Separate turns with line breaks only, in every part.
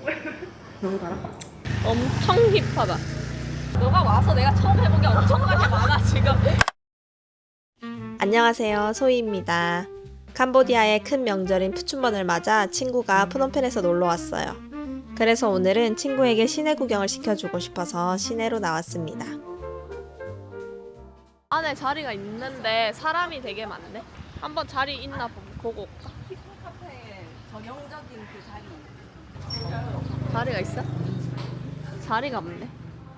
너무 달아?
엄청 힙하다. 너가 와서 내가 처음 해본 게 엄청나게 많아 지금.
안녕하세요, 소희입니다. 캄보디아의 큰 명절인 푸춘번을 맞아 친구가 프놈펜에서 놀러 왔어요. 그래서 오늘은 친구에게 시내 구경을 시켜주고 싶어서 시내로 나왔습니다.
안에 자리가 있는데 사람이 되게 많네. 한번 자리 있나 보고 올까?
카페 전형적인 그 자리.
자리가 있어? 자리가 없네.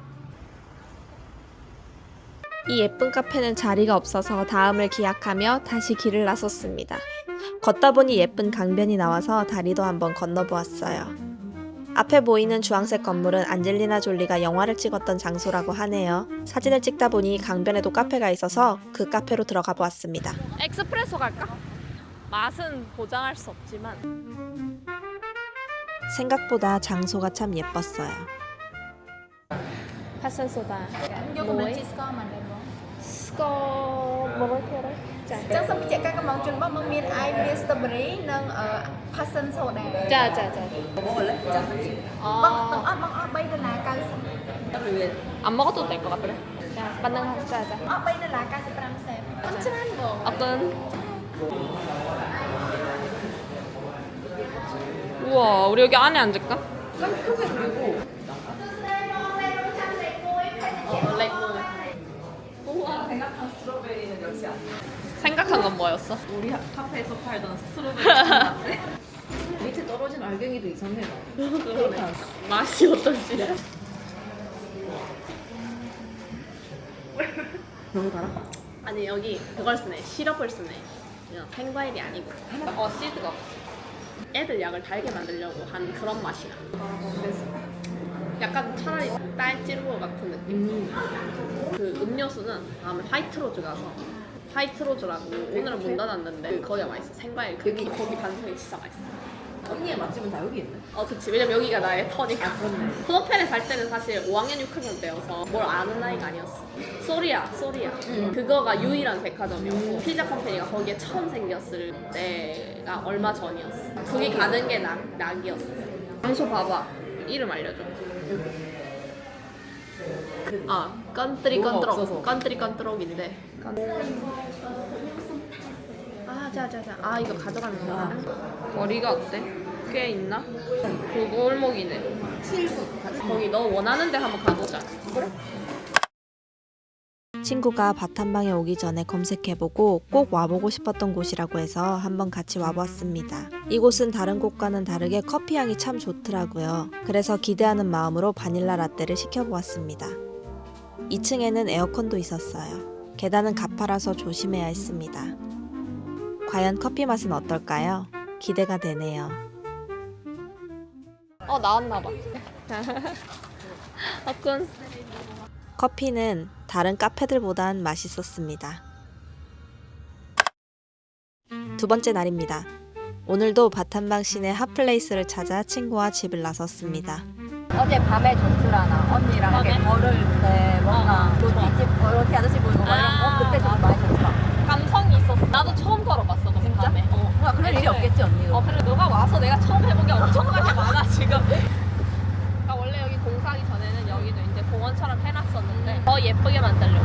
이 예쁜 카페는 자리가 없어서 다음을 기약하며 다시 길을 나섰습니다. 걷다 보니 예쁜 강변이 나와서 다리도 한번 건너보았어요. 앞에 보이는 주황색 건물은 안젤리나 졸리가 영화를 찍었던 장소라고 하네요. 사진을 찍다 보니 강변에도 카페가 있어서 그 카페로 들어가 보았습니다.
엑스프레소 갈까? 맛은 보장할 수 없지만
생각보다 장소가 참 예뻤어요.
파산 소다.
Vô con đường chi score mà đẹp không?
스코 뭐를 해라?
Chắc xong chị các món chuẩn bắp măng miên ai miên strawberry nâng passion soda.
짜자자.
뭐 먹을래? 자,
Băng bay đây là cao.
그러면
안 먹어도 될 것 같아. 자, 반응 짜자.
Bay đây là cao 15 cent. Chân bộ.
어떤? 우와, 우리 여기 안에 앉을까?
크게 그리고
레고. 우와.
생각한 스트로베리는 역시 아니야.
생각한 건 뭐였어?
우리 카페에서 팔던 스트로베리 같은데? 밑에 떨어진 알갱이도 이상해. 그렇게 안 써.
맛이 어떤지.
너무 달아?
아니 여기 그걸 쓰네. 시럽을 쓰네. 그냥 생과일이 아니고. 시드가 없어. 애들 약을 달게 만들려고 한 그런 맛이야. 약간 차라리 딸찌르고 같은 느낌. 그 음료수는 다음에 화이트로즈 가서 화이트로즈라고 오늘은 문 닫았는데 거기가 맛있어. 생과일 거기 반성이 진짜 맛있어.
언니의 맛집은 다 여기 있네.
그치. 왜냐면 여기가 나의 터니까.
그렇네.
프노펜에 살 때는 사실 5학년 6학년 때여서 뭘 아는 나이가 아니었어. 소리야. 그거가 유일한 백화점이었고 피자 컴퍼니가 거기에 처음 생겼을 때가 얼마 전이었어. 거기 가는 게 낙이었어. 단소 봐봐. 이름 알려줘. 건뜨리
뭐가
건뜨록.
없어서.
건뜨리 건뜨록인데. 자자자. 이거 가져가는 거야. 거리가 어때? 꽤 있나? 그 골목이네.
7분.
거기 너 원하는 데 한번 가보자. 그래?
친구가 밥 한 방에 오기 전에 검색해보고 꼭 와보고 싶었던 곳이라고 해서 한번 같이 와보았습니다. 이곳은 다른 곳과는 다르게 커피 향이 참 좋더라고요. 그래서 기대하는 마음으로 바닐라 라떼를 시켜보았습니다. 2층에는 에어컨도 있었어요. 계단은 가파라서 조심해야 했습니다. 과연 커피 맛은 어떨까요? 기대가 되네요.
나왔나봐. 군.
커피는 다른 카페들보단 맛있었습니다. 두 번째 날입니다. 오늘도 바탄방 시내 핫플레이스를 찾아 친구와 집을 나섰습니다.
어제 밤에 좋더라나. 언니랑 이렇게 걸을 때 뭔가 로티집, 로티 아저씨 보이고 막 이런 거 그때 좀 많이 좋더라.
감성이 있었어. 나도 처음 걸어봤어. 너
진짜?
밤에.
뭔가 그럴 일이 없겠지 언니도.
그래 너가 와서 내가 처음 해본 게 엄청나게 많아 지금. 그러니까 원래 여기 공사하기 전에는 여기도 이제 공원처럼 해놨었는데 더 예쁘게 만들려고.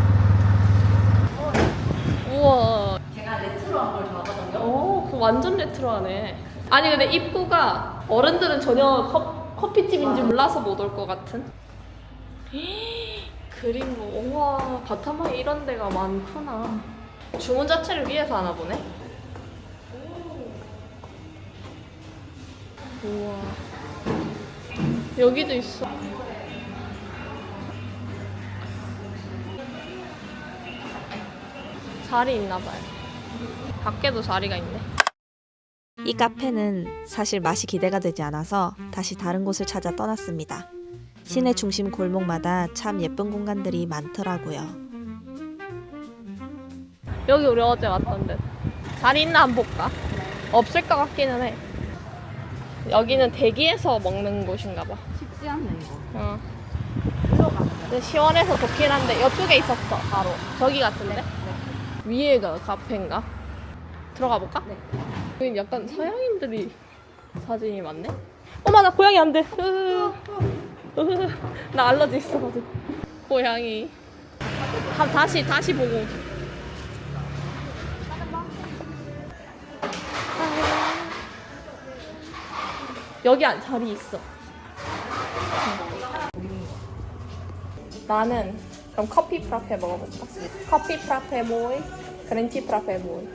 우와.
제가 레트로한 걸 좋아하거든요.
그거 완전 레트로하네. 아니 근데 입구가 어른들은 전혀 커피집인지 몰라서 못 올 것 같은. 그림 우와 바타마에 이런 데가 많구나. 주문 자체를 위해서 하나 보네. 우와 여기도 있어. 자리 있나 봐요. 밖에도 자리가 있네.
이 카페는 사실 맛이 기대가 되지 않아서 다시 다른 곳을 찾아 떠났습니다. 시내 중심 골목마다 참 예쁜 공간들이 많더라고요.
여기 우리 어제 왔던데 자리 있나 한번 볼까? 없을 것 같기는 해. 여기는 대기해서 먹는 곳인가 봐.
쉽지 않네 이거.
근데 시원해서 좋긴 한데 이쪽에 있었어. 바로 저기 같은데? 위에가 카페인가? 들어가 볼까?
네.
여기 약간 서양인들이 사진이 많네? 어머 나 고양이 안 돼. 나 알러지 있어가지고. 고양이. 다시 보고. 여기 자리 있어. 나는 그럼 커피 프라페 먹어볼까? 커피 프라페 모이, 그린티 프라페 모이.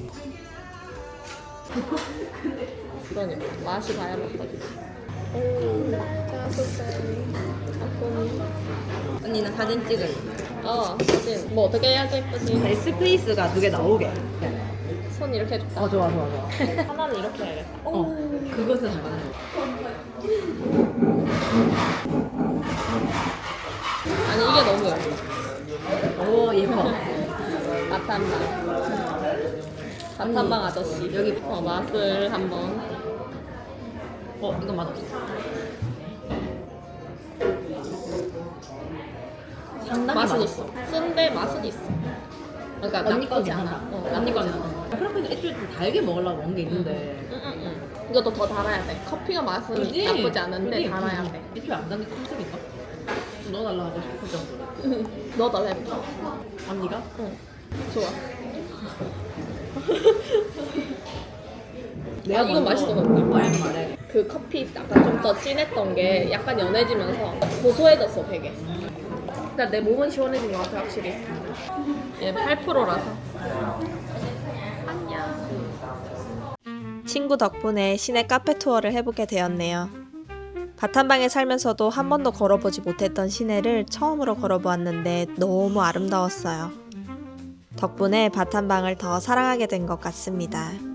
그러니까 맛이 봐야 먹거든. 오, 짜소짜리.
언니 나 사진 찍을.
사진. 뭐 어떻게 해야지 예쁘지?
스페이스가 두 개 나오게.
손 이렇게 해줄까?
좋아.
하나는 이렇게 해야겠다.
그것은 잘 맞는 거.
아니 이게 너무 예뻐.
오 예뻐.
마탄방 아저씨.
여기.
맛을 한번.
이건 맛없어. 상당히
맛은
맛있어.
있어. 쓴데 맛은 있어. 그러니까
언니
나쁘지
거지
않아.
않아. 언니 거는. 프라페는 애초에 좀 달게 먹으려고 온 게 있는데.
응. 이것도 더 달아야 돼. 커피가 맛은
그지?
나쁘지 않은데
그지?
달아야 돼.
애초에 안 단 게 컨셉인가? 좀 넣어달라 하고 싶을 정도로.
넣어달라 해볼까?
언니가?
응. 좋아.
내가
이건 맛있어 근데.
말해.
그 커피 약간 좀 더 진했던 게 약간 연해지면서 고소해졌어 되게. 근데 내 몸은 시원해진 것 같아 확실히. 얘 8%라서.
친구 덕분에 시내 카페 투어를 해보게 되었네요. 바탄방에 살면서도 한 번도 걸어보지 못했던 시내를 처음으로 걸어보았는데 너무 아름다웠어요. 덕분에 바탄방을 더 사랑하게 된 것 같습니다.